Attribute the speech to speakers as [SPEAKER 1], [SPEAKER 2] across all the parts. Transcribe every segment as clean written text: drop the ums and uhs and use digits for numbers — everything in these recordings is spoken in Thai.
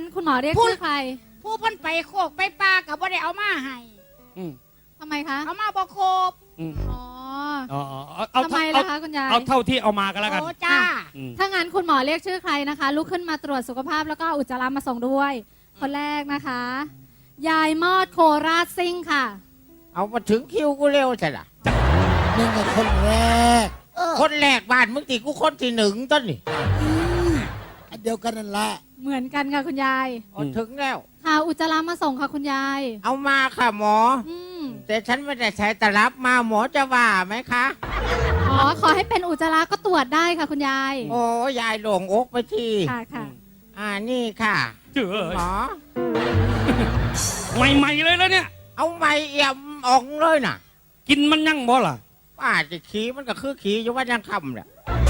[SPEAKER 1] คุณหมอเรียกชื่อใคร
[SPEAKER 2] ผู้เพิ่นไปโคกไปปลากับบ่ได้เอามาให้
[SPEAKER 1] ทำไมคะ
[SPEAKER 2] เอามาบ่ครบ
[SPEAKER 1] ทำไมล่ะคะคุณยาย
[SPEAKER 3] เอาเท่าที่เอามากันแล้วกัน
[SPEAKER 2] โอ้จ้า
[SPEAKER 1] ถ้างั้นคุณหมอเรียกชื่อใครนะคะลุกขึ้นมาตรวจสุขภาพแล้วก็อุจจาระมาส่งด้วยคนแรกนะคะยายมอดโคราชซิ่งค่ะ
[SPEAKER 4] เอามาถึงคิวกูเร็วใช่หรอ
[SPEAKER 5] มึงเป็นคนแรก
[SPEAKER 4] คนแรกบ้านมึงตีกูคนที่หนึ่งต้นนี่
[SPEAKER 5] อันเดียวกันนั่นแหละ
[SPEAKER 1] เหมือนกันค่ะคุณยาย
[SPEAKER 4] ถึงแล้ว
[SPEAKER 1] ค่ะอุจจาระมาส่งค่ะคุณยาย
[SPEAKER 4] เอามาค่ะหมอแต่ฉันไม่ได้ใช้ตลับมาหมอจะว่าไหมคะ
[SPEAKER 1] ขอให้เป็นอุจจาระก็ตรวจได้ค่ะคุณยาย
[SPEAKER 4] โอ้ยายหลงอกไปที
[SPEAKER 1] ค่ะ
[SPEAKER 4] นี่ค่ะหมอ
[SPEAKER 3] ใหม่ๆเลยแล้วเนี่ย
[SPEAKER 4] เอาใหม่เอี่ยมออกเลยน่ะ
[SPEAKER 3] กินมันยั่งบ่ล่ะ
[SPEAKER 4] ป้าจะขี้มันก็คือขี้อยู่ว่ายังคำเนี่ย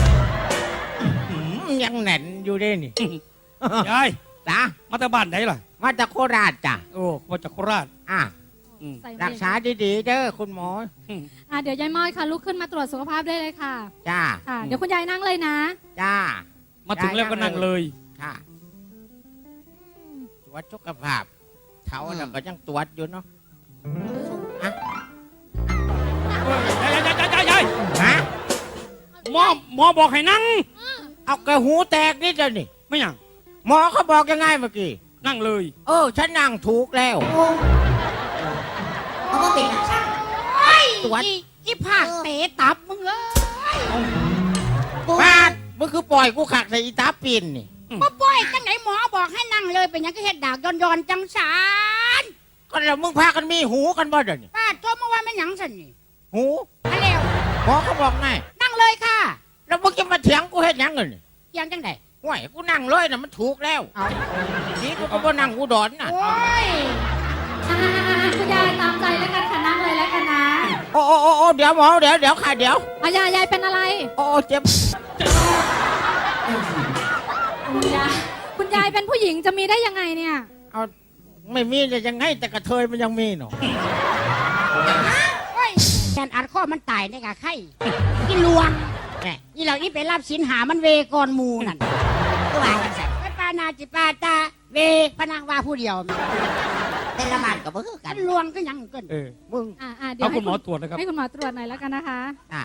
[SPEAKER 4] ยังแน่นอยู่ได้นี่
[SPEAKER 3] ยาย
[SPEAKER 4] จ้า
[SPEAKER 3] มาจากบ้านไหนล่ะ
[SPEAKER 4] มาจากโคราชจ้ะ
[SPEAKER 3] โอ้มาจากโคราช
[SPEAKER 4] รักษาดีๆเด้อคุณหมอ
[SPEAKER 1] เดี๋ยวยายม้อยค่ะลุกขึ้นมาตรวจสุขภาพได้เลยค่ะ
[SPEAKER 4] จ้า
[SPEAKER 1] เดี๋ยวคุณยายนั่งเลยนะ
[SPEAKER 4] จ้า
[SPEAKER 3] มาถึงแล้วก็นั่งเลย
[SPEAKER 4] ค่ะตรวจสุขภาพเขาเราก็ยังตรวจอยู่เนาะ
[SPEAKER 3] ยายหมอบอกให้นั่ง
[SPEAKER 4] เอากระหูแตกนี่จะนี่
[SPEAKER 3] ไม่ยัง
[SPEAKER 4] หมอเขาบอกยังไงเมื่อกี้
[SPEAKER 3] นั่งเลย
[SPEAKER 4] ฉันนั่งถูกแล้ว
[SPEAKER 2] เขาก็ติดตรวจอีผากเตะตับมึงเลย
[SPEAKER 4] บ้านมึงคือปล่อยกูขักใส่อีตาปีนนี่
[SPEAKER 2] มาปล่อยจังไหนหมอบอกให้นั่งเลยเป็นยังก็เห็ดดากย้อนจังสาร
[SPEAKER 4] ก็แล้วมึงพากันมีหูกันบ่เดี๋ยวนี้
[SPEAKER 2] ป้าโจมเมื่อวานเป็นยังสันนี่
[SPEAKER 4] หู
[SPEAKER 2] อะไร
[SPEAKER 4] หมอเขาบอกไง
[SPEAKER 2] นั่งเลยค่ะ
[SPEAKER 4] แล้วมึงจะมาเถียงกูเห็ดยังเงิน
[SPEAKER 2] เถียงจังไหน
[SPEAKER 4] ห่วยกูนั่งเลยนะมันถูกแล้วนี่กูก็บ่นั่งกูดอนน่ะ
[SPEAKER 1] คุณยายตามใจแล้วกันค่ะนั่งเลยแล้วกันนะ
[SPEAKER 4] โอ้เดี๋ยวหมอเดี๋ยวค่ะเดี๋ยวย
[SPEAKER 1] ายเป็นอะไร
[SPEAKER 4] เจ็บ
[SPEAKER 1] คุณยายเป็นผู้หญิงจะมีได้ยังไงเนี่ย
[SPEAKER 4] เอาไม่มีจะยังไงแต่กระเทยมันยังมีเนาะ
[SPEAKER 2] แกนอัดข้อมันตายเนี่ยค่ะไข่กินลวงนี่เรานี่ไปรับสินหามันเวกรมูนั่นตัวไปปานาจิปาตาเวพนังว่าผู้เดียว
[SPEAKER 4] เป็นละมันกับเพื่อ
[SPEAKER 2] กันลวงก็ยังเกิน
[SPEAKER 4] มึง
[SPEAKER 3] เดี๋ยวคุณหมอตรวจนะครับ
[SPEAKER 1] ให้คุณหมอตรวจหน่อยแล้วกันนะคะ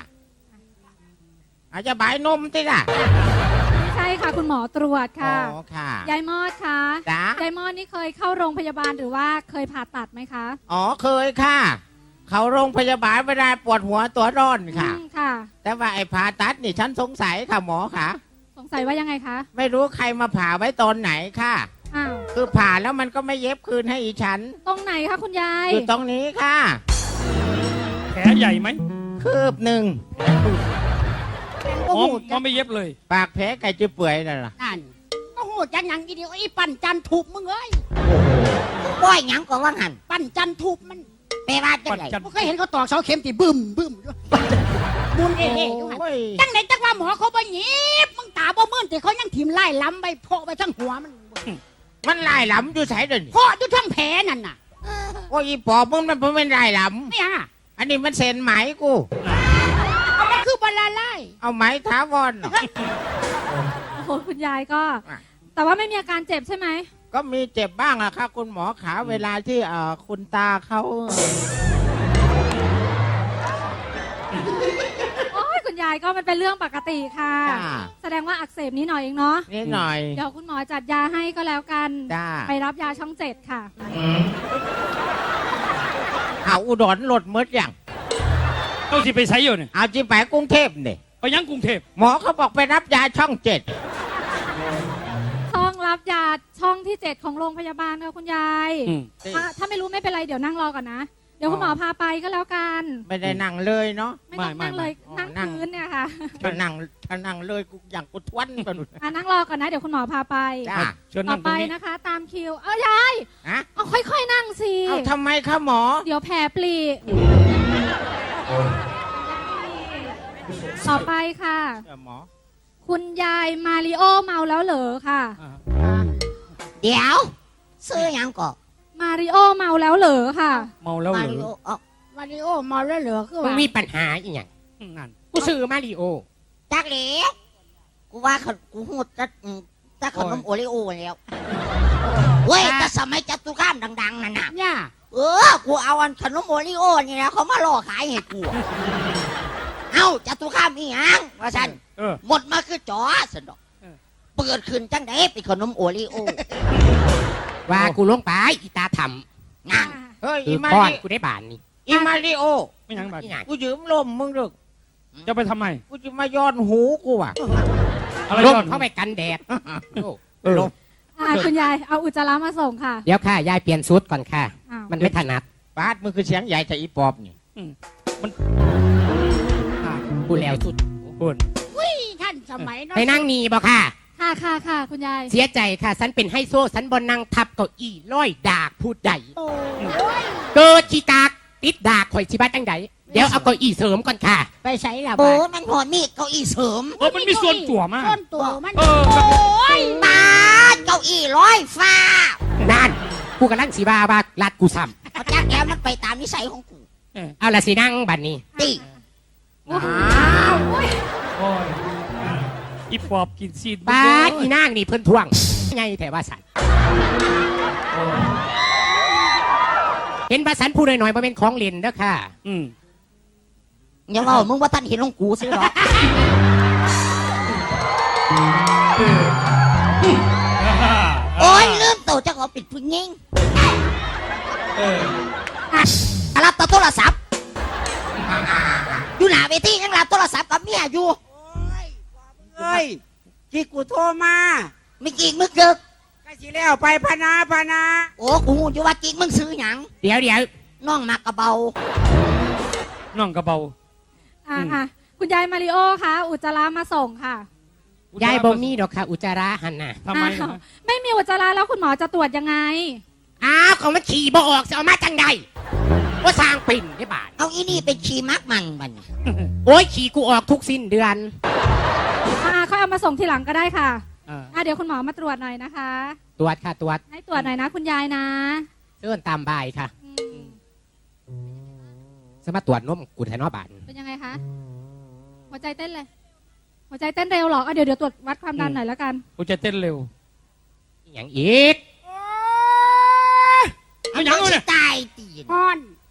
[SPEAKER 4] อาจจะบายนมติล่ะ
[SPEAKER 1] ใช่ค่ะคุณหมอตรวจค่ะยายมอดค่ะยายมอดนี่เคยเข้าโรงพยาบาลหรือว่าเคยผ่าตัดไหมคะ
[SPEAKER 4] เคยค่ะเขาโรงพยาบาลเวลาปวดหัวตัวร้อนค่ะแต่ว่าไอ้ผ่าตัดนี่ฉันสงสัยค่ะหมอค่ะ
[SPEAKER 1] สงสัยว่ายังไงคะ
[SPEAKER 4] ไม่รู้ใครมาผ่าไว้ตอนไหนค่ะคือผ่าแล้วมันก็ไม่เย็บคืนให้อีฉัน
[SPEAKER 1] ตรงไหนคะคุณยาย
[SPEAKER 4] อยู่ตรงนี้ค่ะ
[SPEAKER 3] แผลใหญ่ไหม
[SPEAKER 4] คืบหนึ่ง
[SPEAKER 3] หมอไม่เย็บเลย
[SPEAKER 4] ปากแผลไก่จะเปื่อยนั่นล่ะ
[SPEAKER 2] นั่นโอ้โหจังยังกี่เดียวไอ้ปั่นจันทุบมึงเอ้ย
[SPEAKER 4] ป้อยยังก็ว่าหัน
[SPEAKER 2] ปั่นจันทุบมัน
[SPEAKER 4] แปลว่าจังไร
[SPEAKER 2] ผมเคยเห็นเขาตอกเสาเข็มตีบึ้มมุนจังไหนจังว่าหมอเขาบ่หยิบมึงตาบ่มื่นแต่เขายังถิ่มไล่ล้ำไปโผล่ไปทั้งหัว
[SPEAKER 4] มันไล่ล้ำอยู่ใส่เดิน
[SPEAKER 2] เพราะอยู่ทั้งแผลนั่นน่ะ
[SPEAKER 4] โอ้ยปอบมึงมันเป็นไล่ล้ำ
[SPEAKER 2] เนี่ย
[SPEAKER 4] อันนี้มันเส้นไหมกู
[SPEAKER 2] เอามันคือบอลลาไล่
[SPEAKER 4] เอาไหมท้าวอน
[SPEAKER 1] โอ้โหคุณยายก็แต่ว่าไม่มีอาการเจ็บใช่ไหม
[SPEAKER 4] ก็มีเจ็บบ้างอะค่ะคุณหมอขาเวลาที่คุณตาเขา
[SPEAKER 1] โอ้ยคุณยายก็มันเป็นเรื่องปกติค่ะแสดงว่าอักเสบนิดหน่อยเองเนาะ
[SPEAKER 4] นิดหน่อย
[SPEAKER 1] เดี๋ยวคุณหมอจัดยาให้ก็แล้วกันไปรับยาช่อง7ค่ะ
[SPEAKER 4] เอาอุดรหลดมดอย่าง
[SPEAKER 3] ต้องจีไปใช้อยู่เนี่ย
[SPEAKER 4] เอาจีไปกรุงเทพเนี่ย
[SPEAKER 3] ไปยังกรุงเทพ
[SPEAKER 4] หมอเขาบอกไปรับยาช่อง7
[SPEAKER 1] ช่องรับยาช่องที่7ของโรงพยาบาลค่ะคุณยายถ้าไม่รู้ไม่เป็นไรเดี๋ยวนั่งรอก่อนนะเดี๋ยวคุณหมอพาไปก็แล้วกัน
[SPEAKER 4] ไม่ได้นั่งเลยเนาะ
[SPEAKER 1] ไม่ต้องนั่งเลยนั่งพื้นเนี่ยค่ะ
[SPEAKER 4] ถ้านั่งเลยกูอย่างกูทวนกัน
[SPEAKER 1] นั่งรอก่อนนะเดี๋ยวคุณหมอพาไปต่อไปนะคะตามคิวยายเอาค่อยๆนั่งสิ
[SPEAKER 4] เอาทำไมคะหมอ
[SPEAKER 1] เดี๋ยวแผลปลีต่อไปค่ะ
[SPEAKER 4] หมอ
[SPEAKER 1] คุณยายมาริโอเมาแล้วเหรอค่ะ
[SPEAKER 2] เดี๋ยวซื้อยังก่อ
[SPEAKER 1] มาริโอเมาแล้วเหรอค่ะ
[SPEAKER 3] เมาแล้วเหรอ
[SPEAKER 2] มาริโอเมาแล้วเหรอคือ
[SPEAKER 4] ว่ามีปัญหาอีกอย่างนั่นกูซื้อมาริโอ
[SPEAKER 2] จักเล็กกูว่ากูหูจะขนมโอริโอแล้ว
[SPEAKER 6] เว้ยแต่สมัยจตุคามดังๆนั่นน่ะ
[SPEAKER 2] เนี่ย
[SPEAKER 6] กูเอาอันขนมโอริโอนี่นะเขามาล่อขายให้กู เอ้าจตุคามอีหยังว่าฉัน
[SPEAKER 3] เออ
[SPEAKER 6] หมดมาคือจอสนดอก
[SPEAKER 3] เออ
[SPEAKER 6] เปิดขึ้นจังไดเป็นขนมโอริโอ
[SPEAKER 2] ว่ากูลงไปอีตาท
[SPEAKER 6] นั่น
[SPEAKER 4] เฮ้ย
[SPEAKER 2] ำ
[SPEAKER 4] อี
[SPEAKER 2] คือ
[SPEAKER 4] มา
[SPEAKER 2] ก้อน
[SPEAKER 4] ริ
[SPEAKER 2] กูได้บานนี่
[SPEAKER 4] อีมาริโอ
[SPEAKER 3] ไม่ยังบัด
[SPEAKER 4] กูยืมลมมึงดึก
[SPEAKER 3] จะไปทำไม
[SPEAKER 4] กูจะมาย้อนหูกูอ่ะ
[SPEAKER 3] อะไร
[SPEAKER 2] ล
[SPEAKER 3] ย้
[SPEAKER 2] ม
[SPEAKER 3] อน
[SPEAKER 2] เข้าไปกันแดด
[SPEAKER 3] เออ
[SPEAKER 1] คุณยายเอาอุจจาระมาส่งค่ะ
[SPEAKER 2] เดี๋ยวค่ะยายเปลี่ยนชุดก่อนค่ะ
[SPEAKER 1] อ้าว
[SPEAKER 2] มันไม่ถนัด
[SPEAKER 4] บาสมึงคือเสียงใหญ่จากอีปอบนี่
[SPEAKER 2] กูแล้วชุด
[SPEAKER 3] พูด
[SPEAKER 2] ท่านสมัยไปนั่งนี่บ่ค่ะ
[SPEAKER 1] ค่ะค่ะค่ะคุณยาย
[SPEAKER 2] เสียใจค่ะฉันเป็นไฮโซฉันบนนั่งทับเก้าอี้ร้อยดากพูดใดเกิดขี้กากติดดากข่อยชิบัตจังใดเดี๋ยวเอาเก้าอี้เสริมก่อนค่ะ
[SPEAKER 6] ไปใช้ละโอ้มันหอมีเก้าอี้เสริม
[SPEAKER 3] มันมีส่วนจั่วมาก
[SPEAKER 2] ต้นตัวมัน
[SPEAKER 3] เออ
[SPEAKER 6] มาเก้าอี้ร้อยฟ้า
[SPEAKER 2] นั่นกูกำลังสีบาว่าลัดกูซ้
[SPEAKER 6] เอาจากแล้วมันไปตามนิสัยของกู
[SPEAKER 2] ำเอาละสินั่งบัดนี้
[SPEAKER 6] ตี
[SPEAKER 3] โอ้ยอีปอบกินซีด
[SPEAKER 2] บ้าดอีนางนี่เพิ่นทวงไงแต่ว่าสันเห็นว่าสันพูดหน่อยๆมาเป็นของเล่นเด้อค่ะ
[SPEAKER 3] อืม
[SPEAKER 6] อย่าว่ามึงว่าท่านเห็นของกูสิหรอโอ้ยลืมตัวจะขอปิดพึ่งยิง
[SPEAKER 3] เออ
[SPEAKER 6] รับโทรศัพท์อยู่หน้าเวทียังรับโทรศัพท์กับเมียอยู่
[SPEAKER 4] เฮ้ยที่กูโทรมา
[SPEAKER 6] ไม่จริงมึงเกิก
[SPEAKER 4] ก็สิแล้วไปพนา
[SPEAKER 6] โอ้กูอยู่ว่าจริงมึงซื้อหยัง
[SPEAKER 2] เดี๋ยว
[SPEAKER 6] น้องมากระเบา
[SPEAKER 3] น้องกระเบา
[SPEAKER 1] อ่ะคุณยายมาริโอคะอุจจาระมาส่งค่ะ
[SPEAKER 2] ยายบ่มีดอกค่ะ อุจจาระหันน่ะ
[SPEAKER 3] ทำไม
[SPEAKER 1] อ้าวไม่มีอุจจาระแล้วคุณหมอจะตรวจยังไง
[SPEAKER 2] อ้าวของมันขี่บ่ออกจะเอามาจังใดว่าสร้างปิ่นได้บาท
[SPEAKER 6] เอาอีนี่เป็นชีมักมันบัดน
[SPEAKER 2] โอ้ยขี่กูออกทุกสิ้นเดือน
[SPEAKER 1] เขาเอามาส่งทีหลังก็ได้ค่ะ
[SPEAKER 3] อ่า
[SPEAKER 1] เดี๋ยวคุณหมอมาตรวจหน่อยนะคะ
[SPEAKER 2] ตรวจค่ะตรวจ
[SPEAKER 1] ให้ตรวจหน่อยนะคุณยายนะ
[SPEAKER 2] เชิญตามบ่ายค่ะ
[SPEAKER 1] อืม
[SPEAKER 2] สมาตรวจนมกูแทนอบาน
[SPEAKER 1] เป็นยังไงคะ หัวใจเต้นเลย หัวใจเต้นเร็วเหรอเดี๋ยวตรวจวัดความดันหน่อยแล้วกัน
[SPEAKER 3] กูจะเต้นเร็ว
[SPEAKER 2] อหย่างอีก
[SPEAKER 3] เอาหยังเอาเนี่ย
[SPEAKER 6] ตายตีน
[SPEAKER 2] ฮ้อน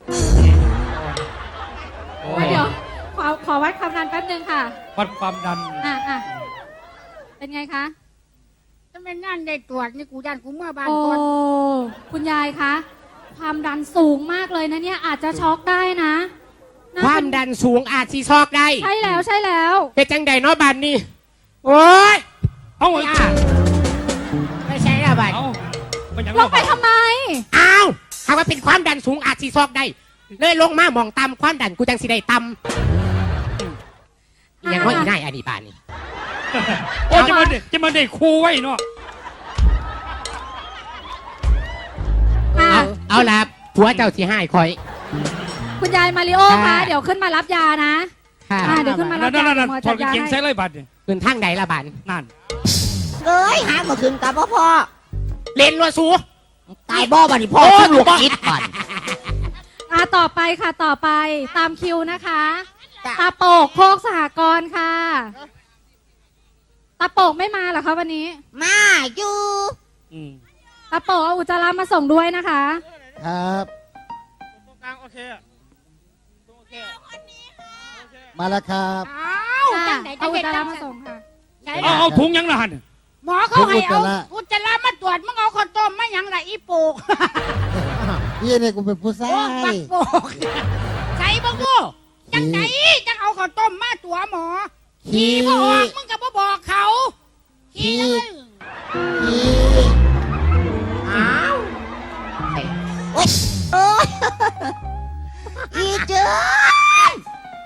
[SPEAKER 1] เดี๋ยวขอวัดความดันแป๊บนึงค่ะ
[SPEAKER 3] วัดความดัน
[SPEAKER 1] อ่ะเป็นไงคะ
[SPEAKER 2] ถ้าไม่นั่นได้ตรวจนี่กูยันกูเมื่อบ้าน
[SPEAKER 1] โอ้
[SPEAKER 2] ก่อน
[SPEAKER 1] คุณยายคะ ความดันสูงมากเลยนะเนี่ยอาจจะช็อกได้นะน่
[SPEAKER 2] ความดันสูงอาจสีซอกได้
[SPEAKER 1] ใช่แล้ว
[SPEAKER 2] เป็นจังใดเนาะบานนี่โอ้ย
[SPEAKER 3] เอา
[SPEAKER 2] ไม่อ่ะไม่ใช่ละบาน
[SPEAKER 3] เอามันหยัง
[SPEAKER 1] ลงไปทำไม
[SPEAKER 2] อ้าวหากว่าเป็นความดันสูงอาจสีซอกได้ เลยลงมามองต่ำความดันกูจังสิได้ต่ำอหย่างว่าอีน่ายอันนี้บานนี่
[SPEAKER 3] โอ้จะมาเด็กครูไว้เนาะ
[SPEAKER 2] เอาละผัวเจ้าสิให้คอย
[SPEAKER 1] คุณยายมาริโอคะ
[SPEAKER 2] ค่ะ
[SPEAKER 1] เดี๋ยวขึ้นมารับยานะ
[SPEAKER 2] ค่ะ
[SPEAKER 1] เดี๋ยวขึ้นมารับ
[SPEAKER 3] นั่
[SPEAKER 1] ยาน
[SPEAKER 3] นั่น
[SPEAKER 1] หมอ
[SPEAKER 3] ถอ
[SPEAKER 1] จั
[SPEAKER 3] ด
[SPEAKER 1] ด
[SPEAKER 3] กาง
[SPEAKER 1] ยา
[SPEAKER 3] เกงใส่
[SPEAKER 1] ให้
[SPEAKER 3] เลยบัดเนี่ย
[SPEAKER 2] คืนทางใดละบาน
[SPEAKER 3] นั่น
[SPEAKER 6] เอ้ยหามาคืนกับพ่อ
[SPEAKER 2] เล่นวัวสู
[SPEAKER 6] ตายบ่บัดนี้พ่อ
[SPEAKER 2] โอ้
[SPEAKER 6] คุณลูกคิดก่อน
[SPEAKER 1] ต่อไปค่ะต่อไปตามคิวนะคะ ตาโปกโคกสหกรณ์ค่ะ ตาโปกไม่มาเหรอคะวันนี้
[SPEAKER 6] มาอยู่
[SPEAKER 3] อืม
[SPEAKER 1] ตาโปกเอาอุจจาระมาส่งด้วยนะคะ
[SPEAKER 5] ครับ
[SPEAKER 3] ตรงกลางโอเคโอเค
[SPEAKER 5] มาแล้วครับ
[SPEAKER 1] ค่ะ
[SPEAKER 2] จังไหน
[SPEAKER 1] เอาอุจจาระ
[SPEAKER 2] จัง
[SPEAKER 1] มาส่งค่ะ
[SPEAKER 3] เอาถุงยังละหัน
[SPEAKER 2] หมอเขาให้เอา
[SPEAKER 5] อุจจาระ
[SPEAKER 2] อุจจาระมาตรวจมึงเอาข้าวต้มมาหยังไรอีโปก
[SPEAKER 5] พี่นี่กูเป็นผู้ชา
[SPEAKER 2] โอ้ปั
[SPEAKER 5] ย
[SPEAKER 2] กโปกใส่บังกูจังไหนจังเอาข้าวต้มมาตัวหมอขี่บ่ออกมึงก็บ่บอกเขาขี่เลย
[SPEAKER 5] พี่
[SPEAKER 6] อ้าวโอ้ยโอ้ยอีเจ้น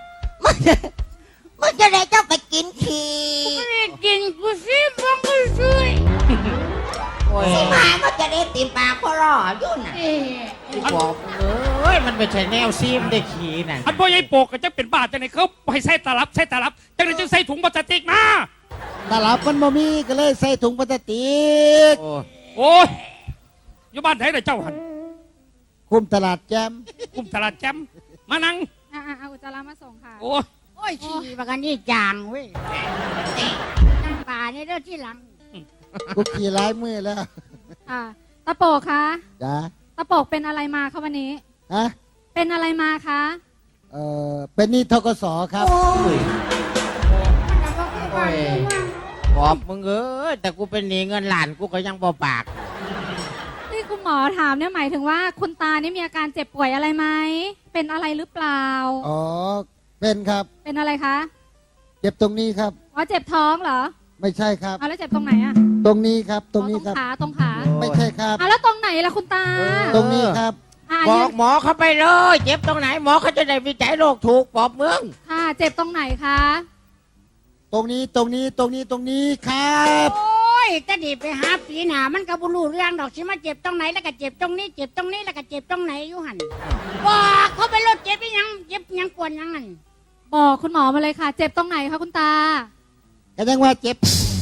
[SPEAKER 6] มึงจะได้เจ้าไปกินขี้
[SPEAKER 2] ไม่กินกูซิมึงก็ช่วย
[SPEAKER 6] สิมามันจะได้ติมปากพ่อรออยู่น่ะ
[SPEAKER 4] กูบอกเอ้ยมันไม่ใช่แนวซีมได้ขี่น่ะ
[SPEAKER 3] อันพ่อใหญ่โปกก็จะเป็นบาดจังไหนเขาให้ใส่ตลับจังไหนจะใส่ถุงพลาสติกมา
[SPEAKER 5] ตลับมันบ่มีก็เลยใส่ถุงพลาสติก
[SPEAKER 4] โอ้
[SPEAKER 3] โอ้ยอยู่บ้านไหนเลยเจ้าหัน
[SPEAKER 5] คุมตลาดแจม
[SPEAKER 3] กุมตลาดแจมมานั่ง
[SPEAKER 1] เอาอุจจาระมาส่งค่ะ
[SPEAKER 3] โอ้ย
[SPEAKER 2] โอ้ยขี่บักอันนี้จางเว้ยจังป่าเนี่ยเด้อที่หลัง
[SPEAKER 5] กูขี่หลายมือแล้ว
[SPEAKER 1] ค่ะตาโปกคะ
[SPEAKER 5] จ้า
[SPEAKER 1] ตาโปกเป็นอะไรมาคะวันนี้
[SPEAKER 5] ฮะ
[SPEAKER 1] เป็นอะไรมาคะ
[SPEAKER 5] เป็นหนี่ทกสครับ
[SPEAKER 4] โอ้ยบอกมึงแต่กูเป็นหนี้เงินล้านกูก็ยังบ่ปาก
[SPEAKER 1] ที่คุณหมอถามเนี่ยหมายถึงว่าคุณตานี่มีอาการเจ็บป่วยอะไรไหมเป็นอะไรหรือเปล่า
[SPEAKER 5] อ๋อ เป็นครับ
[SPEAKER 1] เป็นอะไรคะ
[SPEAKER 5] เจ็บตรงนี้ครับ
[SPEAKER 1] อ๋อเจ็บท้องเหรอ
[SPEAKER 5] ไม่ใช่ครับ
[SPEAKER 1] เอาแล้วเจ็บตรงไหนอะ
[SPEAKER 5] ตรงนี้ครับ ตรงนี้
[SPEAKER 1] อ๋อ
[SPEAKER 5] ครับ
[SPEAKER 1] ตรงขา
[SPEAKER 5] ไม่ใช่ครับ
[SPEAKER 1] เอาแล้วตรงไหนล่ะคุณตา
[SPEAKER 5] ตรงนี้ครับ
[SPEAKER 1] อ่ะ
[SPEAKER 4] บ
[SPEAKER 1] ยื
[SPEAKER 4] อน กหมอเขาไปเลยเจ็บตรงไหนหมอเขาจะได้วิจัยโรคถูกบอกมึง
[SPEAKER 1] ค่ะ เจ็บตรงไหนคะ
[SPEAKER 5] ตรงนี้ ตรงนี้ ตรงนี้ ตรงนี้ครับ
[SPEAKER 2] โอ้ยแต่ดีไปหาปีหนามันก็บ่รู้เรื่องดอกสิมาเจ็บตรงไหนแล้วก็เจ็บตรงนี้เจ็บตรงนี้แล้วก็เจ็บตรงไหนอยู่หั่นบอกเขาไปรถเจ็บอีหยังเจ็บหยังปวดหยังนั่น
[SPEAKER 1] บอกคุณหมอมาเลยค่ะ เจ็บตรงไหนคะคุณตา
[SPEAKER 5] แสดงว่าเจ็บ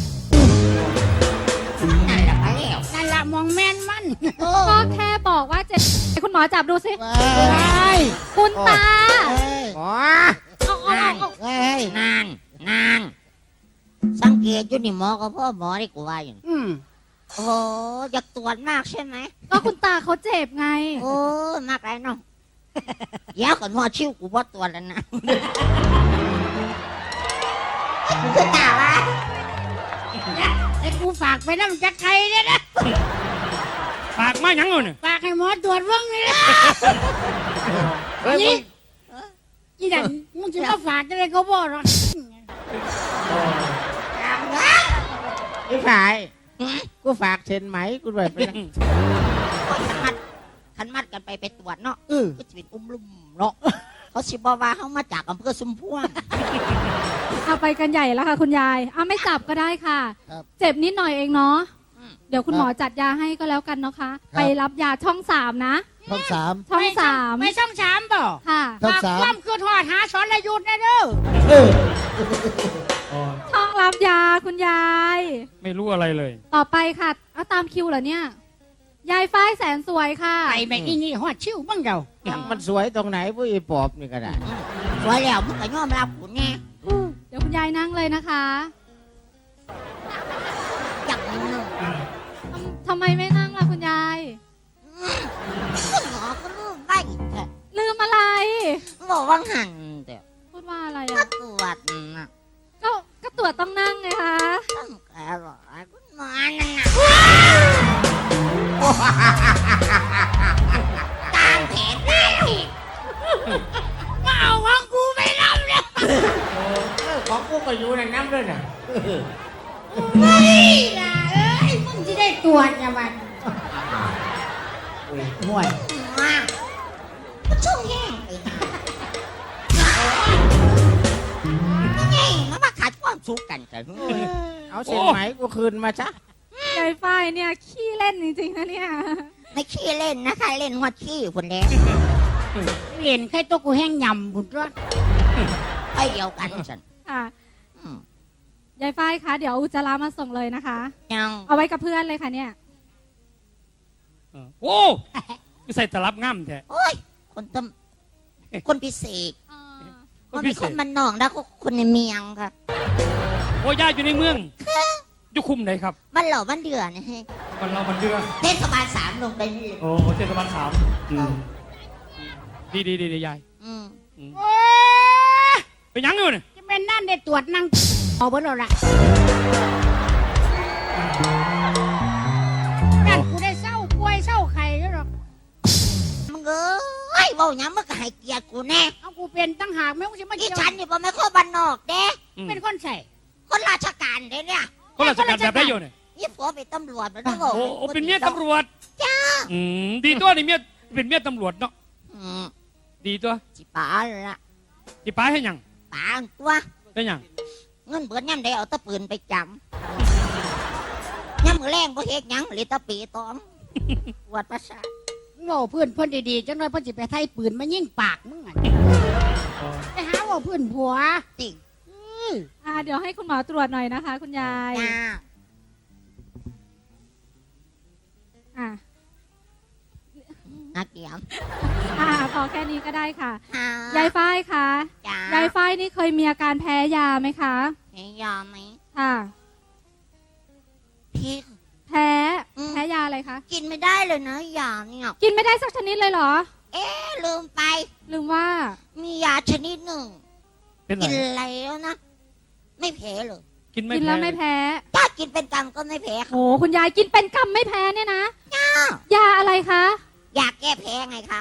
[SPEAKER 6] นั่นแหละไปแล้ว
[SPEAKER 2] นั่นละมองแม่นมัน
[SPEAKER 1] ก็แค่บอกว่าเจ็บคุณหมอจับดูสิ
[SPEAKER 5] ว้าย
[SPEAKER 1] คุณตา
[SPEAKER 4] หมอ
[SPEAKER 5] ว้าย
[SPEAKER 6] นางสังเกตอยู่นี่หมอก็พ่อหมอได้กูว่าอยู่ โอ้อยากตรวจมากใช่ไหม
[SPEAKER 1] ก็คุณตาเขาเจ็บไง
[SPEAKER 6] โอ้มากไรเนาะเดี๋ยวก่อนหมอชิวกูบ่ตรวจแล้วนะคือตาวะ
[SPEAKER 2] ไอ้กูฝากไปน้ำจักไข่เนี่ยนะ
[SPEAKER 3] ปากมาหยังเอาเนี่ย
[SPEAKER 2] ฝากให้หมอตรวจเบิ่งนี่นะ
[SPEAKER 4] เฮ้ยมึง
[SPEAKER 2] อีนั่นมึงจะมาฝากอะไรเขาบอกหรอก
[SPEAKER 4] พี่ฝ่ายกูฝากเซ็นไหมกูด้วยไปนะ
[SPEAKER 6] ขันมัดกันไปตรวจเนาะก็จะเป็นอุ้มลุ่มเนาะเขาสิบอกว่าเขามาจากอำเภอสุมพวง
[SPEAKER 1] เอาไปกันใหญ่แล้วค่ะคุณยายเอาไม่จับก็ได้ค่ะ
[SPEAKER 5] ครับ
[SPEAKER 1] เจ็บนิดหน่อยเองเนาะ
[SPEAKER 6] อืม
[SPEAKER 1] เดี๋ยวคุณหมอจัดยาให้ก็แล้วกันเนาะคะ ไปรับยาช่อง3นะ
[SPEAKER 5] ช่องสาม
[SPEAKER 1] ช่องสาม
[SPEAKER 2] ไม่ช่องสามบ่
[SPEAKER 1] ค่ะ
[SPEAKER 5] ช่อง
[SPEAKER 2] ฝาก
[SPEAKER 5] สาม
[SPEAKER 2] ความคือทอดหาสอนระยุทธ์นะเด้อ
[SPEAKER 5] เออ
[SPEAKER 1] ช่องรับยาคุณยาย
[SPEAKER 3] ไม่รู้อะไรเลย
[SPEAKER 1] ต่อไปค่ะเอาตามคิวเหรอเนี่ย ยายฝ้ายแสนสวยค่ะ
[SPEAKER 2] ไปแบบนี้ฮอดชิวบ้างเดา
[SPEAKER 4] ยังมันสวยตรงไหนผู้อีปอบนี่ก็ได้
[SPEAKER 6] สวยแล้วมึงก็ยอมรับกูแน่
[SPEAKER 1] เดี๋ยวคุณยายนั่งเลยนะคะ
[SPEAKER 6] อยากมึง
[SPEAKER 1] ทำไมไม่นั่งล่ะคุณยาย
[SPEAKER 6] คุณหมอก็ลืมได้แต่
[SPEAKER 1] ลืมอะไร
[SPEAKER 6] บอกว่าหันแต่
[SPEAKER 1] พูดว่าอะไร
[SPEAKER 6] มา
[SPEAKER 1] อ่ะ
[SPEAKER 6] ตรวจนะ
[SPEAKER 1] ก็ตรวจต้องนั่งไงคะ
[SPEAKER 6] ต้องแกบอกไอ้คุณหมอนั่นน่ะตามแผนตามแผน
[SPEAKER 2] มาเอาของกูไปรับเลย
[SPEAKER 4] ของกูก็อยู่ในน้ำด้วยน่ะ
[SPEAKER 2] เฮ้ยล่ะเอ้ยมึงจะได้ตรวจนะมัน
[SPEAKER 4] ห่วย
[SPEAKER 6] มาก็ช่วงแย่งไปนะแย่งมันมาขาดความสุขกันกัน
[SPEAKER 4] เอาเซ็นไหมกูคืนมาซะ
[SPEAKER 1] ยายฝ้ายเนี่ยขี้เล่นจริงๆนะเนี่ย
[SPEAKER 6] ไม่ขี้เล่นนะคะเล่นหัวขี้คนแดง
[SPEAKER 2] เห็นใครตัวกูแห้งยำบุญรอด
[SPEAKER 6] ไปเดียวกันฉัน
[SPEAKER 1] ค่ะ
[SPEAKER 6] อืม
[SPEAKER 1] ยายฝ้ายคะเดี๋ยวเอาอุจจาระมาส่งเลยนะคะ
[SPEAKER 6] ยัง
[SPEAKER 1] เอาไว้กับเพื่อนเลยค่ะเนี่ย
[SPEAKER 3] โอ้คือใส่ตลับง่ำแท้
[SPEAKER 6] โอ้ยคนต้มคนพิเศษ
[SPEAKER 3] ค
[SPEAKER 6] มัน น
[SPEAKER 3] พิ
[SPEAKER 6] เป็น
[SPEAKER 3] เศ
[SPEAKER 6] คน
[SPEAKER 3] ษ
[SPEAKER 6] มันนอกแล้วก็คนในเมียงค่ะ
[SPEAKER 3] โอ้ย่าอยู่ในเมืองอยู่คุมไหนครับ
[SPEAKER 6] บ้านเหล่าบ้านเดือนะฮะ
[SPEAKER 3] มันเรามันเดือ
[SPEAKER 6] เทศบาล3ลงไปนี่
[SPEAKER 3] โอ้เทศบาล3ดียาย
[SPEAKER 6] อืม
[SPEAKER 2] โอ้ย
[SPEAKER 3] ไปหยังอยู่เนี่ย
[SPEAKER 2] จะเป็นนั่นได้ตรวจนั่งเอาเบิดแล้วล่ะนั่นกูได้เศร้าป่วยเศร้าไข้แล้วหรอก
[SPEAKER 6] มึงเอ้ยเว่าหยังมึงก็ให้เกียรติกูแน่
[SPEAKER 2] เอากูเป็นตั้งหากแม่งกูจะมา
[SPEAKER 6] ที่
[SPEAKER 2] เกี่ยว
[SPEAKER 6] ฉันนี่บ่แม่นคนบ้านนอกเด้
[SPEAKER 2] เป็นคนใส่
[SPEAKER 6] คนราชการเด้เนี่ย
[SPEAKER 3] คนราชการแบบได้อยู่เนี่ย
[SPEAKER 6] นี่ผัวเป็นตำรวจมันต้องบอก
[SPEAKER 3] โอ้เป็นเมียตำรวจดีตัวนี่เมียเป็นเมียตำรวจเนาะ
[SPEAKER 6] อืม
[SPEAKER 3] ดีตัว
[SPEAKER 6] สิป๋าละ
[SPEAKER 3] ที่ป้าให้หยัง
[SPEAKER 6] ป๋าตัว
[SPEAKER 3] ได้หยัง
[SPEAKER 6] เงินเบิดย่ำได้เอาแตะปืนไปจำย่ำมือแรงบ่เฮ็ดหยังเลยตะปีตอมปวดประสาท
[SPEAKER 2] โง่เพื่อนเพื่อนดีๆจังเลยเพื่อนจะไปไทยปืนมายิงปากมึงอ่ะไปหาว่าเพื่อนผัว
[SPEAKER 6] จริง
[SPEAKER 1] เดี๋ยวให้คุณหมอตรวจหน่อยนะคะ คุณยาย
[SPEAKER 6] จ้า
[SPEAKER 1] อ่ะ
[SPEAKER 6] นักเกียม
[SPEAKER 1] พอแค่นี้ก็ได้ค่ะ
[SPEAKER 6] หาย
[SPEAKER 1] ายฝ้ายคะ
[SPEAKER 6] จ้าย
[SPEAKER 1] ายฝ้ายนี่เคยมีอาการแพ้ยาไหมคะ
[SPEAKER 6] ให้ยอมไหม
[SPEAKER 1] ค่ะ
[SPEAKER 6] พี่
[SPEAKER 1] แพ้ แพ้ยาอะไรคะ
[SPEAKER 6] กินไม่ได้เลยนะยาเนี่ย
[SPEAKER 1] กินไม่ได้สักชนิดเลยเหรอ
[SPEAKER 6] ลืมไป
[SPEAKER 1] ลืมว่า
[SPEAKER 6] มียาชนิดหนึ่ง
[SPEAKER 3] เป็นไร
[SPEAKER 6] กินแล้วนะ ไม่แพ้เลย
[SPEAKER 3] กินไม่
[SPEAKER 1] กินแล้วไม่
[SPEAKER 3] แพ้
[SPEAKER 1] แพ้
[SPEAKER 6] ถ้ากินเป็นกรรมก็ไม่แพ้ค่ะ
[SPEAKER 1] โอ้คุณยายกินเป็นกำไม่แพ้เนี่ยนะ ยาอะไรคะ
[SPEAKER 6] อยากแก้แพ้ไงคะ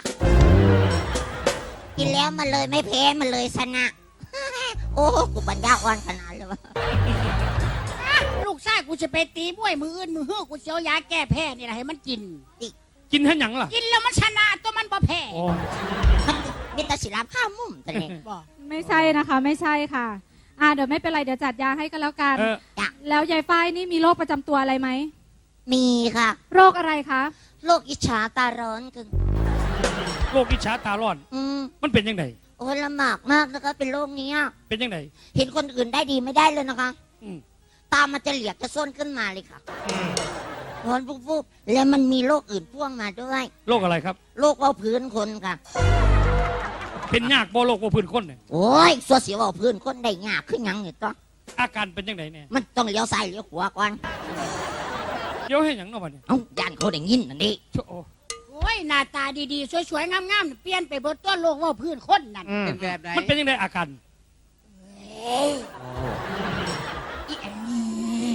[SPEAKER 6] กินแล้วมันเลยไม่แพ้มันเลยชนะ โอ้กูปัญญาอ่อนขนาดเลยวะ
[SPEAKER 2] ลูกชายกูจะไปตีมวยมืออื่นมือฮื้อกูเสียวยาแก้แพ้นี่แหละให้มันกิน
[SPEAKER 3] กินให้หยังล่ะ
[SPEAKER 2] กินแล้วมันชนะตัวมันบ่แพ้
[SPEAKER 3] โอ้
[SPEAKER 6] มิตรศิลป์ข้ามมุมตะเนี่ย
[SPEAKER 2] บ่
[SPEAKER 1] ไม่ใช่นะคะ ไม่ใช่ค่ะ เดี๋ยวไม่เป็นไรเดี๋ยวจัดยาให้ก็แล้วกัน
[SPEAKER 3] เออ
[SPEAKER 1] แล้วยายฝ้ายนี่มีโรคประจำตัวอะไรไหม
[SPEAKER 6] มีค่ะ
[SPEAKER 1] โรคอะไรคะ
[SPEAKER 6] โรคอิจฉาตาร้อนคือ
[SPEAKER 3] โรคอิจฉาตาร้อน
[SPEAKER 6] อืม
[SPEAKER 3] มันเป็นยังไง
[SPEAKER 6] โอ้ยลำบากมากนะคะ เป็นโรคนี้อะ
[SPEAKER 3] เป็นยังไง
[SPEAKER 6] เห็นคนอื่นได้ดีไม่ได้เลยนะคะ
[SPEAKER 3] อืม
[SPEAKER 6] ตามันจะเหลียกจะส้นขึ้นมาเลยค่ะร้อนปุ๊บๆแล้วมันมีโรคอื่นพ่วงมาด้วย
[SPEAKER 3] โรคอะไรครับ
[SPEAKER 6] โรคเบาพื้นคนค่ะ
[SPEAKER 3] เป็นยากบ่โรคบ่พื้นคนเนี่ย
[SPEAKER 6] โอ้ยสัวเสียวเบาพื้นคนได้ยากขึ้นยังเนี่ยต้อง
[SPEAKER 3] อาการเป็นยังไงเนี่ย
[SPEAKER 6] มันต้องเลี้ยวซ้ายเลี้ยวขวาก่อน
[SPEAKER 3] เดี๋ยวให้หยังเนาะบัดนี้
[SPEAKER 6] เอ้าย่านเขาได้ยินนั่นดิ
[SPEAKER 3] โอ้
[SPEAKER 2] โอ้ยหน้าตาดีๆสวยๆงามๆเปลี่ยนไปเบิดตัวโลกว่าพื้นคนนั่น
[SPEAKER 5] เป็นแบบไหน
[SPEAKER 3] มันเป็นยังไงอาการ
[SPEAKER 2] อีอันนี้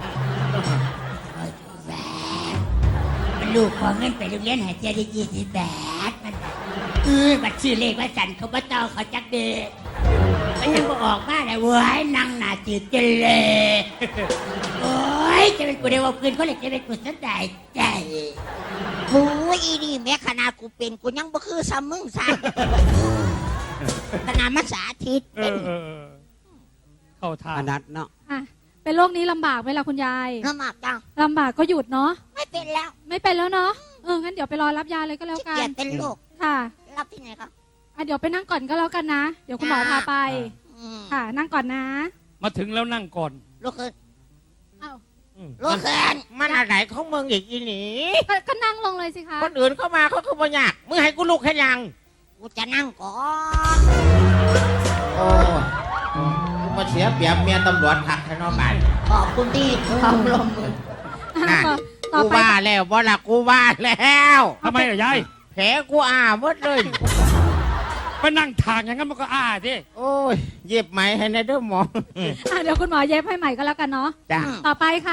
[SPEAKER 2] มันลูกของเงินไปโรงเรียนหายใจได้20 บาทมันบัตรซื้อเลขว่าสันเขาบ่ต้องเขาจักเด็กมันยังบ่ออกมาเลยเว้ยนั่งหน้าจืดเจนเลยโอ้ยจะเป็นกูได้ว่าพื้นคนเลยจะเป็นกูสนใจใจ
[SPEAKER 6] โอ้ยอีนี่แม้ขนาดกูเป็นกูยังบ่คือซ้ำมึงซ้ำขนาดมาสาธิต
[SPEAKER 3] เออเออเออเข้าทา
[SPEAKER 5] อ
[SPEAKER 3] ง
[SPEAKER 5] นัดเนาะ
[SPEAKER 1] อ่ะเป็นโรคนี้ลำบากไหมล่ะคุณยาย
[SPEAKER 6] ลำบากจัง
[SPEAKER 1] ลำบากก็หยุดเนาะ
[SPEAKER 6] ไม่เป็นแล้ว
[SPEAKER 1] ไม่เป็นแล้วเนาะงั้นเดี๋ยวไปรอรับยาเลยก็แล้ว
[SPEAKER 6] ขี้
[SPEAKER 1] กั
[SPEAKER 6] เกีย
[SPEAKER 1] น
[SPEAKER 6] จเป็นโรค
[SPEAKER 1] ค่ะ
[SPEAKER 6] รับที่ไหนครับ
[SPEAKER 1] เดี๋ยวไปนั่งก่อนก็แล้วกันนะ เดี๋ยวคุณหมอพาไป
[SPEAKER 6] อืม
[SPEAKER 1] ค่ะ นั่งก่อนนะ
[SPEAKER 3] มาถึงแล้วนั่งก่อน
[SPEAKER 6] โรคเคิน
[SPEAKER 1] อ้าว
[SPEAKER 6] โรคเคิน
[SPEAKER 4] มันอะไรของมึงอีกอีหนี
[SPEAKER 1] ก็นั่งลงเลยสิคะ
[SPEAKER 4] คนอื่นเข้ามาเขาคือบ่ยากมึงให้กูลุกให้ยัง
[SPEAKER 6] กูจะนั่งก่อน
[SPEAKER 4] โอ้กูมาเสียเปรียบเมียตำรวจขักให้น้องบ้าน
[SPEAKER 6] ขอบคุณที่ความร่วมมือ
[SPEAKER 4] นั่น
[SPEAKER 1] ต่อ
[SPEAKER 4] กู
[SPEAKER 1] ไป
[SPEAKER 4] ว่าแล้วบ่ล่ะกูว่าแล้ว
[SPEAKER 3] ทำไมล่ะยาย
[SPEAKER 4] แผลกูหมดเลย
[SPEAKER 3] ไปนั่งทางอย่างนั้นมันก็ดิ
[SPEAKER 4] โอ้ยเย็บไหมให้ในเด้อหมอ
[SPEAKER 1] เดี๋ยวคุณหมอเย็บให้ใหม่ก็แล้วกันเนาะ
[SPEAKER 4] จ้ะ
[SPEAKER 1] ต่อไปค่ะ